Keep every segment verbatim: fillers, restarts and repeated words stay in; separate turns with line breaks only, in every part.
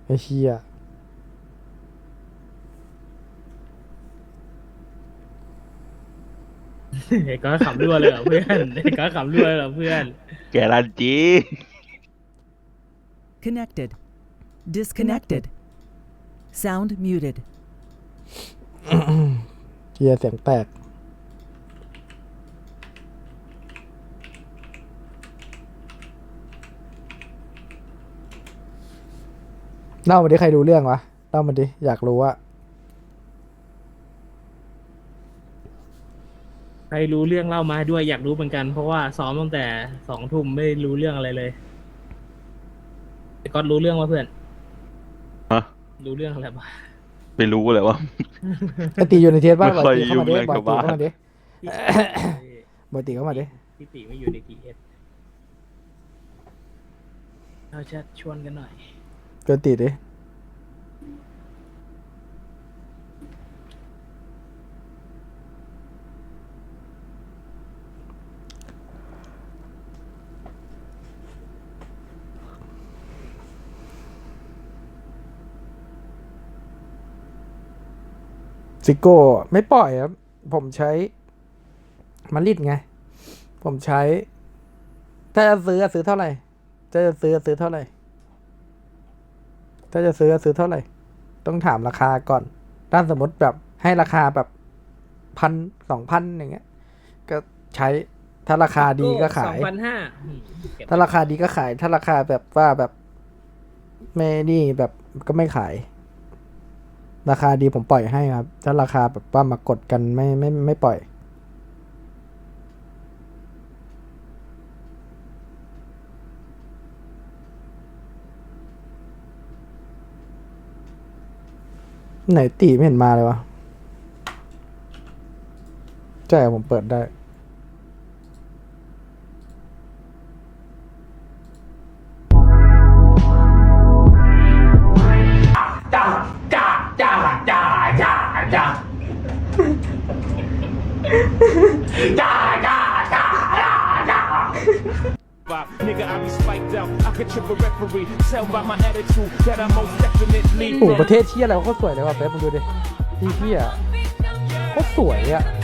ไอ้เชี่ย
ไอ้ก้อนขำรั่วเลยเหรอเพื่อนไอ้ก้อนขำรั่วเลยเหรอเพื่อน
แกรันจี
Connected. Disconnected. Sound muted.
เชี่ยเสียงแตกเล่ามาดิใครดูเรื่องวะเล่ามาดิอยากรู้ว่า
ใครรู้เรื่องเล่ามาด้วยอยากรู้เหมือนกันเพราะว่าซ้อมตั้งแต่สองทุ่มไม่รู้เรื่องอะไรเลยไอ้ก้อนรู้เรื่องว่าเพื่อน
ฮะ
รู้เรื่องอะไรบ้าง
ไม่รู้เลยว่า
ไอตีอยู่ในเทสบ้าง
ไม่
บ่อย
ค่อย
ตีเข้ามาดิ
ยุ่งเรื่อง
บ่อย
ชาว
ตี
บ้าน
เข้ามาดิบ่อยตีเข้ามาดิ
พี่ติไม่อยู่ในทีเอสเราจะชวนกันหน่อย
เกินตีดิซิโก้ไม่ปล่อยครับผมใช้มาริดไง ผมใช้ ถ้าจะซื้อซื้อเท่าไหร่ถ้าจะซื้อซื้อเท่าไหร่ ถ้าจะซื้อซื้อเท่าไหร่ ต้องถามราคาก่อน ถ้าสมมติแบบให้ราคาแบบพันสองพันอย่างเงี้ย ก็ใช้ ถ้าราคาดีก็ขา
สอย งพันห้า
ถ้าราคาดีก็ขาย ถ้าราคาแบบว่าแบบไม่นี่แบบก็ไม่ขาย ราคาดีผมปล่อยให้ครับ ถ้าราคาแบบว่ามากดกันไม่ไม่ไม่ปล่อย ไหนตีไม่เห็นมาเลยวะใช่ผมเปิดได้
จ้าจ้าจ้าจ้าจ้าจ้าจ้าจ้าจ้าจ้าจ้า
Nigga, I be spiked out. I could trip a referee. Tell by my attitude that I most definitely
โอ้โหประเทศเชี่ยอะไรวะเขาสวยเลยว่ะเฟซมึงดูดิที่เชี่ยเขาสวยอ่ะ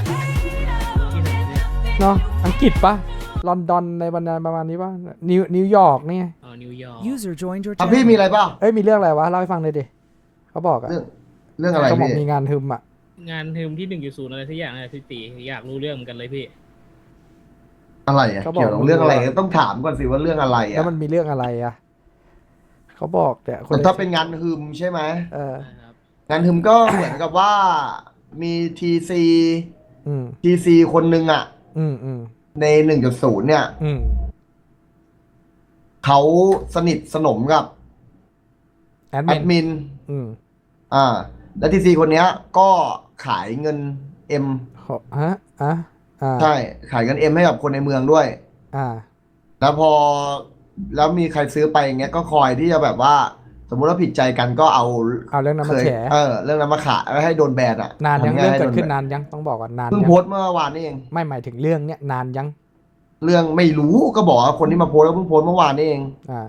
เนาะอังกฤษปะลอนดอนในบรรดาประมาณนี้ปะนิวนิวยอร์กนี่ไง
อ๋อนิวยอร์ก
User joined your
อ่ะพี่
channel.
มีอะไรเปล่า
เอ้ยมีเรื่องอะไรวะเล่าให้ฟังเลยดิเขาบอกอะ
เรื่องเรื่องอะไร
เขาบอก
พี่
มีงานทึมอะ
งานทีมที่หนึ่งอยู่ศูนย์อะไรสักอย่างอะไรพี่ติอยากรู้เรื่องเหมือนกันเลยพี่
อะไรอ่ะเกี่ยวกับเรื่องอะไรต้องถามก่อนสิว่าเรื่องอะไร
แล้
อ่ะ
วมันมีเรื่องอะไรอะเขาบอกแต่คน
แต่ถ้าเป็นงานฮึมใช่ไหม
เออ
นะครับ
งานฮึมก็เหมือนกับว่ามีทีซี
อืม
ทีซีคนหนึ่งอ่ะ
อืมอืม
ในหนึ่งจุดศูนย์เนี่ย
อืม
เขาสนิทสนมกับ
แอด
แอด
มิน
มิน
อืม
อ่า และทีซีคนเนี้ย ก็ขายเงินเอ็ม
ขอฮะอ่ะอ่า
ใช่ ขายเงินเอ็มให้กับคนในเมืองด้วย
อ่า
แล้วพอแล้วมีใครซื้อไปอย่างเงี้ยก็คอยที่จะแบบว่า สมมุติว่าผิดใจกันก็เอา
เอาเรื่องนั้น
เค
มาย แฉ
เออเรื่องนั้นมาขายแล้วให้โดนแบนอ่ะ
นานยัง
ทำไ
เรื่องเกิด
ให้โ
ขึ้นนานยังต้องบอกก่อนนาน
เพิ่ง
ยัง
โพสต์เมื่อวานนี่เอง
ไม่หมายถึงเรื่องเนี้ยนานยัง
เรื่องไม่รู้ก็บอกว่าคนที่มาโพสต์ก็เพิ่งโพสต์เมื่อวานนี่เอง
อ่า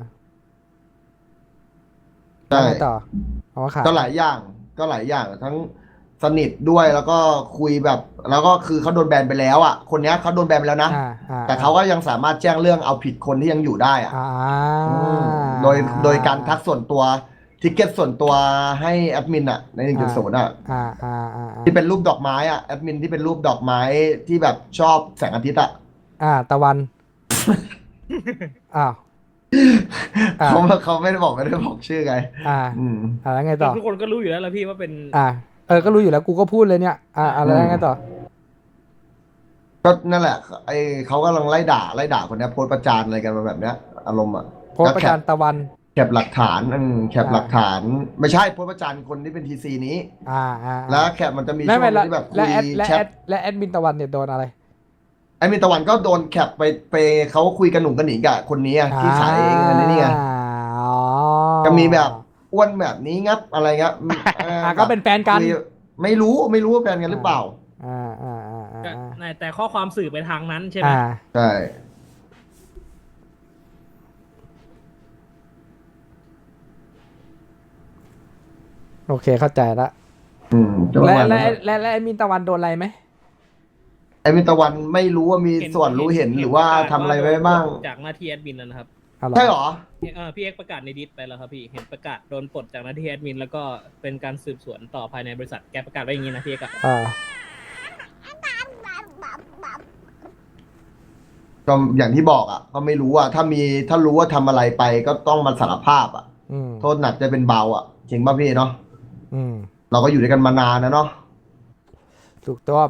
ใช่
แล้วไงต่อเอามาขาย
ก็หลายอย่างก็หลายอย่างทั้งสนิทด้วยแล้วก็คุยแบบ แล้วก็คือเขาโดนแบนไปแล้วอ่ะคนเนี้ยเขาโดนแบนไปแล้วนะ
อ่าอ่า
แต่เขาก็ยังสามารถแจ้งเรื่องเอาผิดคนที่ยังอยู่ได้อ่ะ
อ่า
อืมโดยโดยการทักส่วนตัวทิกเก็ตส่วนตัวให้แอดมินอ่ะในหนึ่งจุดศูนย์อ่ะ
อ่าอ่าอ่าอ่า
ที่เป็นรูปดอกไม้อ่ะแอดมินที่เป็นรูปดอกไม้ที่แบบชอบแสงอาทิตย์อ่ะ
อ่าตะวัน อ้าว อ่า
เขาเขาไม่ได้บอกไม่ได้บอกชื่อไง
อ่า
อืม
อ่าแล้วไงต่อ
ทุกคนก็รู้อยู่แล้วละพี่ว่าเป็น
อ่า เออ ก็รู้อยู่แล้วกูก็พูดเลยเนี่ย อ่าอะไรแล้วไงต่อ
ก็นั่นแหละไอเขากำลังไล่ด่าไล่ด่าคนเนี้ยโพสต์ประจานอะไรกันมาแบบเนี้ย อารมณ์อ่ะ
โพสต์ประจานตะวัน
แคปหลักฐานอืมแคป
อ่า
หลักฐาน ไม่ใช่โพสต์ประจานคนที่เป็นทีซีนี้
อ่าอ่า
แล้วแคปมันจะมี
ไม่
ช่ว
ไม่
ง
แล้ว
ที่แบบคุ
และ
ย
แอดและ
แช
แอ
ท
ดและแอดมินตะวันเนี่ยโดนอะไร
ไอ้มินตะวันก็โดนแคปไปไปเขาคุยกันหนุ่มกันหนิงกับคนนี้อะที่ขายเงินนี่ไง
อ๋อ
ก็มีแบบอ้วนแบบนี้งับอะไรเงี้ยอืมเ
อ่าก็เป็นแฟนกัน
คุยไม่รู้ไม่รู้ว่าแฟนกันหรือเปล่า
อ่าอ่าอ่าอ่า
ก็
อ่า
แต่ข้อความสื่อไปทางนั้นใช่ไหม
อ่า
ใช่
อโอเคเข้าใจละ
อืมก็ประ
และ
มาณ
และ
นั้น
และและแอดมินตะวันโดนอะไรไหม
ไอ้มินตะวันไม่รู้ว่ามีส่วนรู้เห็นหรือว่าทำอะไรไว้บ้าง
จากหน้าที่แอดมินแล้วนะครับ
เอาเหรอ
ใช่เหรอ
เอ่อพี่เอ็กประกาศในดิสไปแล้วครับพี่เห็นประกาศโดนปลดจากหน้าที่แอดมินแล้วก็เป็นการสืบสวนต่อภายในบริษัทแกประกาศไว้อย่างนี้นะพี่เอ็กอะ
อ่า
ก็อย่างที่บอกอ่ะ ก็ไม่รู้อ่ะ ถ้ามีถ้ารู้ว่าทำอะไรไปก็ต้องมาสารภาพอ่ะ
อืม
โทษหนักจะเป็นเบาอ่ะจริงป่ะพี่เนาะ
อืม
เราก็อยู่ด้วยกันมานานนะเนาะ
ถูกต้อง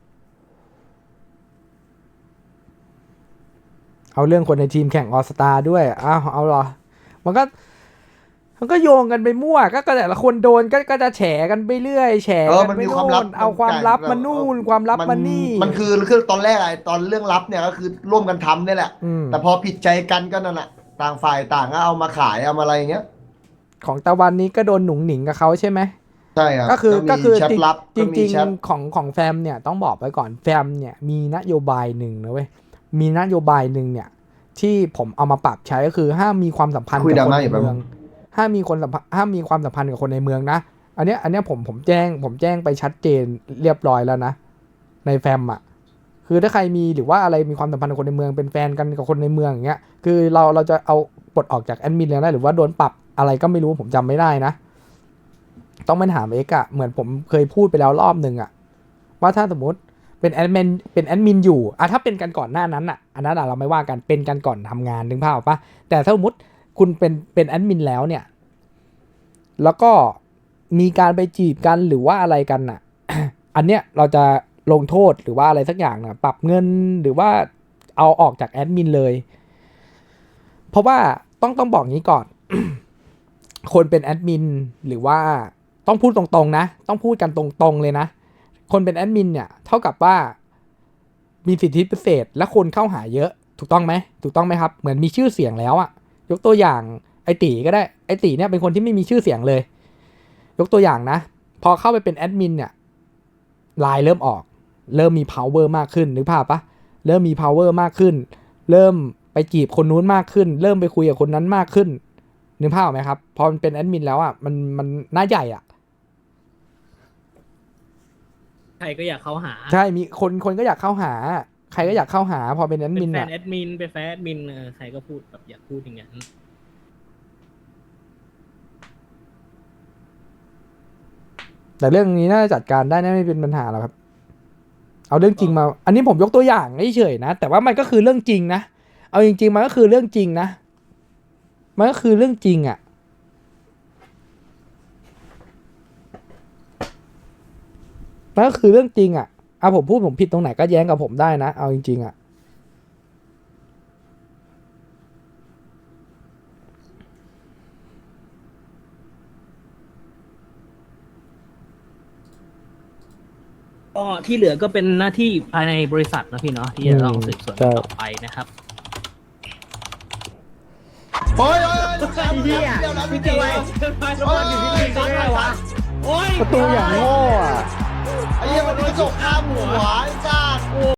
เอาเรื่องคนในทีมแข่งออสตาด้วยอ้าวเอาเหรอ มันก็มันก็โยงกันไปมั่วก็ก็แต่ละคนโดนก็ก็จะแฉกันไปเรื่อยแฉ
เออ
กั
มัน
ไป
มีความลับ
โน่นเอาความลับมานู่นความลับมานี่
มันคือคือตอนแรกไอ้ตอนเรื่องลับเนี่ยก็คือร่วมกันทำเนี่ยแหละ
อืม
แต่พอผิดใจกันก็นั่นแหละต่างฝ่ายต่างก็เอามาขายเอามาอะไรอย่างเงี้ย
ของตะวันนี้ก็โดนหนุ่งหนิงกับเขาใช่ไหม
ใช่ครับ
ก็คือ
มี
ก็คือ
แชทลับ
จริง
ก็
จริ
มี
ง
แชท
ๆของของแฟมเนี่ยต้องบอกไว้ก่อนแฟมเนี่ยมีนโยบายหนึ่งนะเว้ยมีนโยบายหนึ่งเนี่ย ที่ผมเอามาปรับใช้ก็คือห้ามมีความสัมพันธ์
คุย
กับ
ดรา
คน
ม่า
ใน
อยู่แป๊บ
เมืองห้ามมีคนสัมพันธ์ห้ามมีความสัมพันธ์กับคนในเมืองนะอันเนี้ยอันเนี้ยผมผมแจ้งผมแจ้งไปชัดเจนเรียบร้อยแล้วนะในแฟมอ่ะคือถ้าใครมีหรือว่าอะไรมีความสัมพันธ์กับคนในเมืองเป็นแฟนกันกับคนในเมืองอย่างเงี้ยคือเราเราจะเอาปลดออกจากแอดมินแล้วนะหรือว่าโดนปรับอะไรก็ไม่รู้ผมจำไม่ได้นะ ต้องไปถามเอกอะเหมือนผมเคยพูดไปแล้วรอบหนึ่งอะว่าถ้าสมมติเป็นแอดมินเป็นแอดมินอยู่อะถ้าเป็นกันก่อนหน้านั้นอะอันนั้นอะเราไม่ว่ากันเป็นกันก่อนทำงานนึกภาพออกปะแต่ถ้าสมมติคุณเป็นเป็นแอดมินแล้วเนี่ย แล้วก็มีการไปจีบกันหรือว่าอะไรกันอะ อันเนี้ยเราจะลงโทษหรือว่าอะไรสักอย่างนะปรับเงินหรือว่าเอาออกจากแอดมินเลย เพราะว่าต้องต้องบอกงี้ก่อน คนเป็นแอดมินหรือว่าต้องพูดตรงๆนะต้องพูดกันตรงๆเลยนะคนเป็นแอดมินเนี่ยเท่ากับว่ามีสิทธิพิเศษและคนเข้าหาเยอะถูกต้องไหมถูกต้องไหมครับเหมือนมีชื่อเสียงแล้วอะยกตัวอย่างไอตีก็ได้ไอตีเนี่ยเป็นคนที่ไม่มีชื่อเสียงเลย ยกตัวอย่างนะพอเข้าไปเป็นแอดมินเนี่ยไลน์เริ่มออกเริ่มมี power มากขึ้นนึกภาพปะเริ่มมี power มากขึ้น เริ่มไปจีบคนนู้นมากขึ้น เริ่มไปคุยกับคนนั้นมากขึ้นนึกภาพออกไหมครับพอมันเป็นแอดมินแล้วอ่ะมันมันหน้าใหญ่อ่ะ
ใครก็อยากเข้าหา
ใช่มีคนคนก็อยากเข้าหา ใครก็อยากเข้าหา พอเป็นแอด
เป็
มิน
นแฟ
อ่ะ
นแอดมินเป็นแฟนแอดมินเออใครก็พูดแบบอยากพูดอย่างนั้น
แต่เรื่องนี้น่าจะจัดการได้นะไม่เป็นปัญหาหรอกครับ เอาเรื่องจริงมา อันนี้ผมยกตัวอย่างเฉยๆนะแต่ว่ามันก็คือเรื่องจริงนะเอาจริงๆมันก็คือเรื่องจริงนะมันก็คือเรื่องจริงอ่ะมันก็คือเรื่องจริงอ่ะเอาผมพูดผมผิดตรงไหนก็แย้งกับผมได้นะเอาจริงๆอ่ะ
ก็ที่เหลือก็เป็นหน้าที่ภายในบริษัทนะพี่เนาะที่จะต้องสืบสวนกันต่อไปนะครับ
โอ้ยโอ้ยโอ้ยลูกชายเดียวนะพี่เจไว้โอ้ยได้วะ
โอ้ย
ประตูอย่างโง่อะ
ไอ้เหี้ยมันกระจกข้ามหัวไอ้จ้าน